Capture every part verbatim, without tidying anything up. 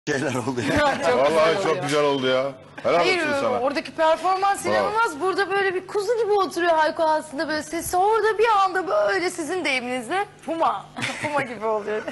şeyler oldu ya. Çok Vallahi güzel çok oluyor. güzel oldu ya. Helal Hayır, olsun sana. oradaki performans Bravo. inanılmaz. Burada böyle bir kuzu gibi oturuyor Hayko aslında, böyle sesi orada bir anda böyle sizin deyiminizle puma. Puma gibi oluyor.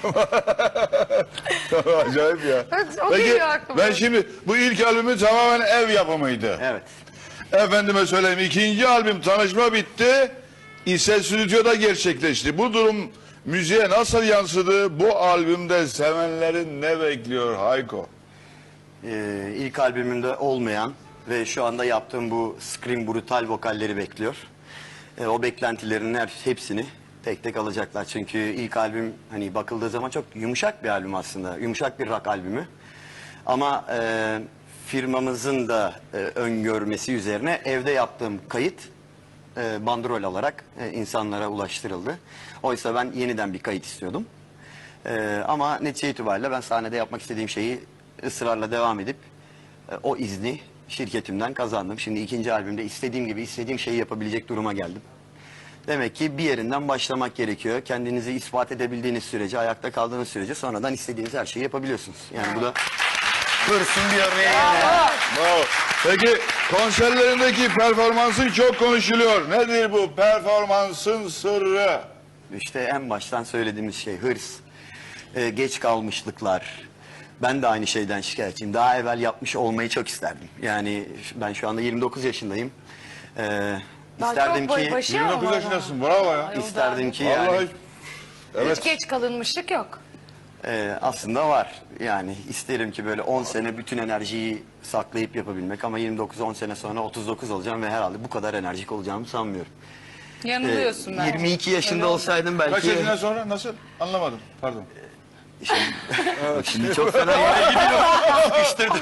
Acayip ya. Evet, o Peki geliyor aklıma. ben şimdi bu ilk albümü tamamen ev yapımıydı. Evet. Efendime söyleyeyim, ikinci albüm Tanışma bitti. İse stüdyoda gerçekleşti. Bu durum müziğe nasıl yansıdı? Bu albümde sevenlerin ne bekliyor Hayko? Ee, ilk albümümde olmayan ve şu anda yaptığım bu scream brutal vokalleri bekliyor. Ee, o beklentilerin her hepsini tek tek alacaklar. Çünkü ilk albüm hani bakıldığı zaman çok yumuşak bir albüm aslında. Yumuşak bir rock albümü. Ama e, firmamızın da e, öngörmesi üzerine evde yaptığım kayıt e, bandrol alarak e, insanlara ulaştırıldı. Oysa ben yeniden bir kayıt istiyordum. E, ama netice itibariyle ben sahnede yapmak istediğim şeyi ısrarla devam edip e, o izni şirketimden kazandım. Şimdi ikinci albümde istediğim gibi istediğim şeyi yapabilecek duruma geldim. Demek ki bir yerinden başlamak gerekiyor. Kendinizi ispat edebildiğiniz sürece, ayakta kaldığınız sürece sonradan istediğiniz her şeyi yapabiliyorsunuz. Yani bu da hırsın bir örneği. Yani. Bravo. Peki konserlerindeki performansın çok konuşuluyor. Nedir bu performansın sırrı? İşte en baştan söylediğimiz şey hırs, e, geç kalmışlıklar. Ben de aynı şeyden şikayetçiyim. Daha evvel yapmış olmayı çok isterdim. Yani ben şu anda yirmi dokuz yaşındayım. E, Daha isterdim çok boy ki başı yirmi dokuz ama. yaşındasın, bravo ya. Ay, o da- isterdim ki Vallahi yani evet. Hiç geç kalınmışlık yok. e, aslında var. Yani isterim ki böyle on sene bütün enerjiyi saklayıp yapabilmek ama yirmi dokuz on sene sonra otuz dokuz olacağım ve herhalde bu kadar enerjik olacağımı sanmıyorum. E, Yanılıyorsun bence. yirmi iki yaşında Öyle olsaydım Kaç belki yaşından sonra nasıl? Anlamadım. Pardon. Şimdi, şimdi çok fena yere gidiyorum. Sıkıştırdım.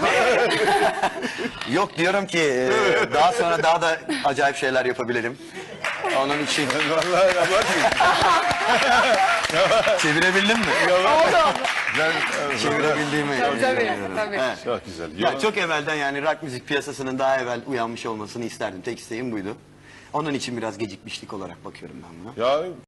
Yok diyorum ki e, daha sonra daha da acayip şeyler yapabilirim. Onun için Vallahi ya bak. çevirebildim mi? Oldu. Ben, Çevirebildiğimi Tabii, tabii, düşünüyorum. tabii. Evet. çok güzel. Ya çok evvelden yani rock müzik piyasasının daha evvel uyanmış olmasını isterdim. Tek isteğim buydu. Onun için biraz gecikmişlik olarak bakıyorum ben buna. Ya